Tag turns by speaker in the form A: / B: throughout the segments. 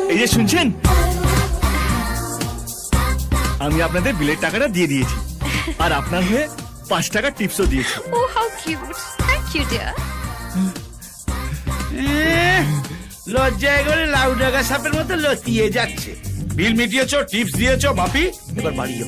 A: এই যে শুনছেন, আমি আপনাদের বিলের টাকাটা দিয়ে দিয়েছি, আর আপনার হয়ে 5 টাকা টিপসও দিয়েছি।
B: Oh, how cute. Thank you, dear.
C: লজ্জায় করে লাউ ডাগা সাপের মতো লতিয়ে যাচ্ছে। বিল মিটিয়েছো, টিপস দিয়েছো, বাপি এবার বাড়িও।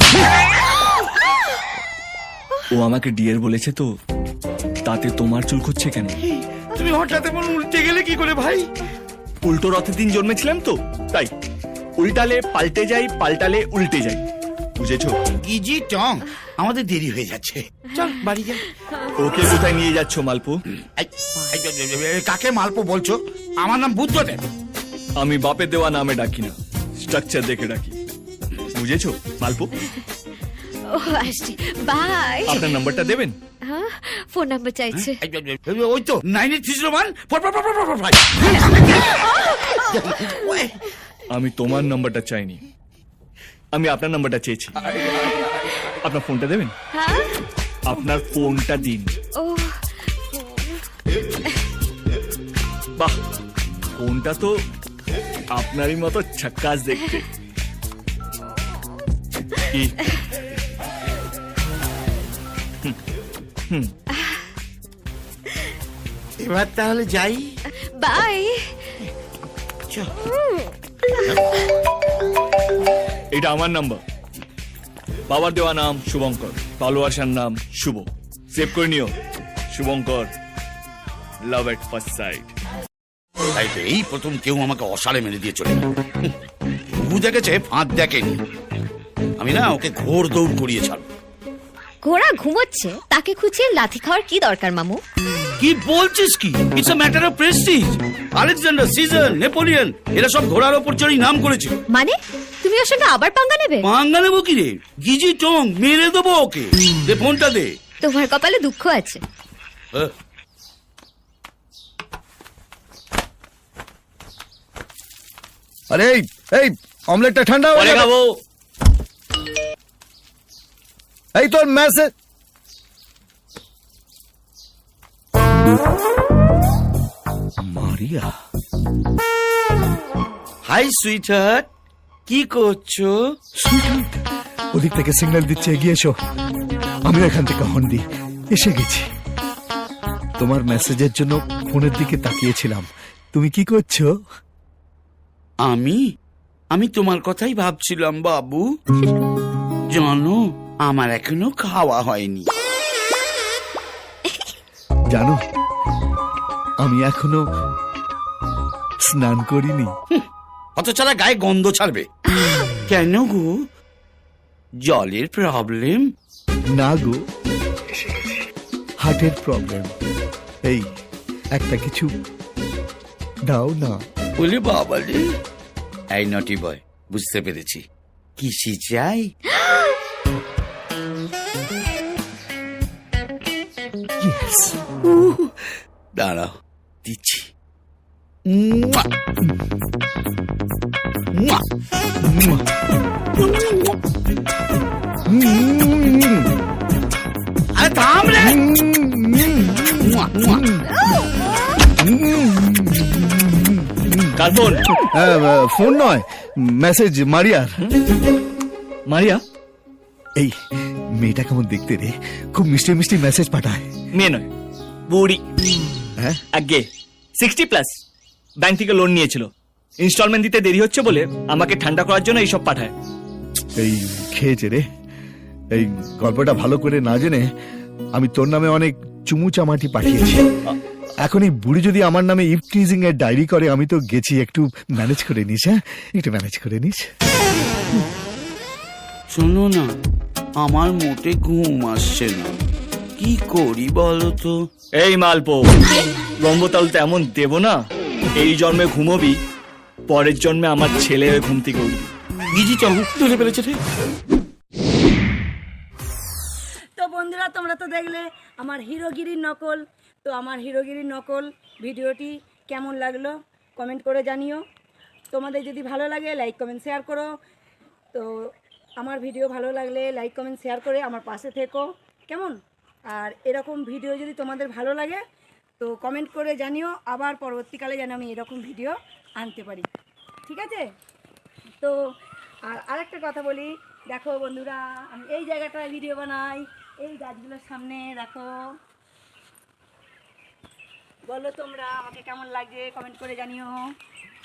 A: ও আমাকে ডিয়ার বলেছে তো, তাতে তোমার চুল খুঁজছে কেন?
C: তুমি হঠাৎ এমন উল্টে গেলে কি করে ভাই?
A: উল্টো রথের দিন জন্মেছিলাম তো, তাই উল্টালে পাল্টে যাই, পাল্টালে উল্টে যাই, বুঝেছো?
C: গিজি টং, আমাদের দেরি হয়ে যাচ্ছে, চল বাড়ি যাই।
A: ওকে কোথায় নিয়ে যাচ্ছ মালপো?
C: কাকে মালপো বলছো? আমার নাম বুদ্ধদেব।
A: আমি বাপের দেওয়া নামে ডাকি না, স্ট্রাকচার দেখে ডাকি, বুঝেছো মালপো?
B: Oh, আসছি। Bye.
A: আপনার নাম্বারটা দেবেন?
B: হ্যাঁ, ফোন নাম্বার চাইছে।
C: ওই তো 9831
A: আমি তোমার নাম্বারটা চাইনি, আমি আপনার নাম্বারটা চেয়েছি। আপনার ফোনটা দেবেন?
B: হ্যাঁ?
A: আপনার ফোনটা দিন।
B: Oh,
A: বাহ, ফোনটা তো আপনারই মতো ঝাক্কাস দেখতে। কি?
C: এবার তাহলে যাই।
B: bye.
C: চল।
A: এটা আমার নাম্বার, বাবার দেওয়া নাম শুভঙ্কর, ভালোবাসার নাম শুভ, সেভ করে নিও। Shubhankar, love at first sight.
C: তাই তো এই প্রথম কেউ আমাকে অসালে মেরে দিয়ে চলে গেল। ঘুঘু দেখেছে, ফাঁদ দেখেনি। আমি না ওকে ঘোর দৌড় করিয়ে ছাড়ব।
B: ঘোড়া ঘুমোচ্ছে, তাকে খুঁচিয়ে লাথি খাওয়ার কি দরকার মামু?
C: কি বলছিস কি? It's a matter of prestige. Alexander, Caesar, Napoleon এরা সব ঘোড়ার ওপর চড়ি নাম করেছিল।
B: মানে তুমি ওর সঙ্গে আবার পাঙ্গা নেবে?
C: পাঙ্গা নেবো কি রে? গিজি টং, মেরে দেবো ওকে। দে ফোনটা দে।
B: তোমার কপালে দুঃখ আছে।
D: আরে এই অমলেটটা ঠান্ডা হয়ে যাবে।
A: খাবো।
D: এই তোর মেসেজ। মারিয়া,
C: হাই সুইটহার্ট, কি করছো?
D: ওদিক থেকে সিগন্যাল দিচ্ছে, এগিয়ে এসো। আমি এখান থেকে হর্ন দিই, এসে গেছি। তোমার মেসেজের জন্য ফোনের দিকে তাকিয়েছিলাম। তুমি কি করছো?
C: আমি তোমার কথাই ভাবছিলাম বাবু। জানো, আমার এখনো খাওয়া হয়নি।
D: জানো, আমি এখনো স্নান করিনি।
C: অত ছাড়া গায়ে গন্ধ ছাড়বে কেন গো? জলের প্রবলেম?
D: না গো, হার্টের প্রবলেম। এই একটা কিছু দাও না।
C: বলে বাবা রে। এই নটি বয়, বুঝতে পেরেছি। কিসি চাই?
D: Yes.
C: দাঁড়াও, দিচ্ছি। আরে থাম রে।
A: কার ফোন?
D: ফোন নয়, মেসেজ মারিয়ার।
A: মারিয়া?
D: এই মেয়েটা কেমন দেখতে রে? খুব মিষ্টি মিষ্টি মেসেজ পাঠায়।
A: মেয়ে নয়, বুড়ি।
D: হ্যাঁ,
A: আগে 60+, ব্যাংক থেকে লোন নিয়েছিল, ইনস্টলমেন্ট দিতে দেরি হচ্ছে বলে আমাকে ঠান্ডা করার জন্য এইসব পাঠায়।
D: এই খেয়েছে রে। এই গল্পটা ভালো করে না জেনে আমি তোর নামে অনেক চুমু চামাটি পাঠিয়েছি। এখন এই বুড়ি যদি আমার নামে ইভ টিজিং এর ডায়েরি করে, আমি তো গেছি। একটু ম্যানেজ করে নিস। হ্যাঁ, একটু ম্যানেজ করে নিস।
C: শোনো না, আমার মোটে ঘুম আসছে না, কি করি বলো তো?
A: এই মালপো, লম্বতাল তো এমন দেব না, এই জন্মে ঘুমোবি, পরের জন্মে আমার ছেলে হয়ে ঘুম থেকে উঠবি।
C: গিজি চল, ধরে ফেলেছে রে।
E: তো বন্ধুরা, তোমরা তো দেখলে আমার হিরোগিরির নকল। তো আমার হিরোগিরির নকল ভিডিওটি কেমন লাগলো কমেন্ট করে জানিও। তোমাদের যদি ভালো লাগে লাইক কমেন্ট শেয়ার করো। তো আমার ভিডিও ভালো লাগলে লাইক কমেন্ট শেয়ার করে আমার পাশে থেকো, কেমন? আর এরকম ভিডিও যদি তোমাদের ভালো লাগে তো কমেন্ট করে জানিও, আবার পরবর্তীকালে যেন আমি এরকম ভিডিও আনতে পারি। ঠিক আছে? তো আর আরেকটা কথা বলি, দেখো বন্ধুরা, আমি এই জায়গাটায় ভিডিও বানাই, এই গাছগুলোর সামনে দেখো। বলো তোমরা আমাকে কেমন লাগছে, কমেন্ট করে জানিও।